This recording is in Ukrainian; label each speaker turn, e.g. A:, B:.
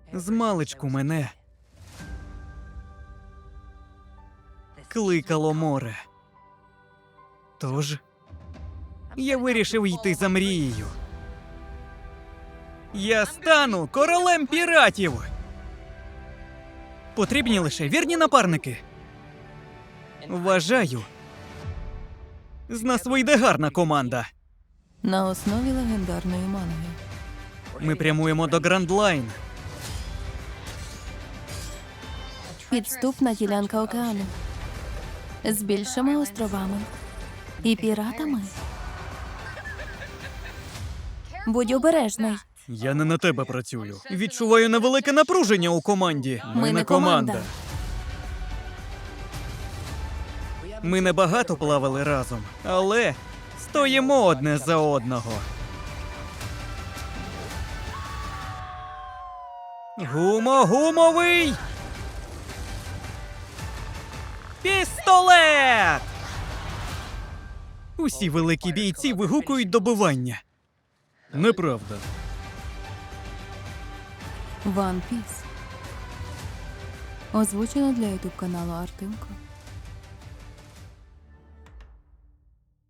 A: Змалечку мене кликало море. Тож я вирішив йти за мрією. Я стану королем піратів! Потрібні лише вірні напарники. Вважаю, з нас вийде гарна команда.
B: На основі легендарної манги.
A: Ми прямуємо до Грандлайн.
B: Підступна ділянка океану. З більшими островами. І піратами. Будь обережний.
A: Я не на тебе працюю. Відчуваю невелике напруження у команді.
B: Ми не команда.
A: Ми небагато плавали разом, але стоїмо одне за одного. Гумовий пістолет! Усі великі бійці вигукують добивання. Неправда.
B: One Piece. Озвучено для ютуб каналу Артемко.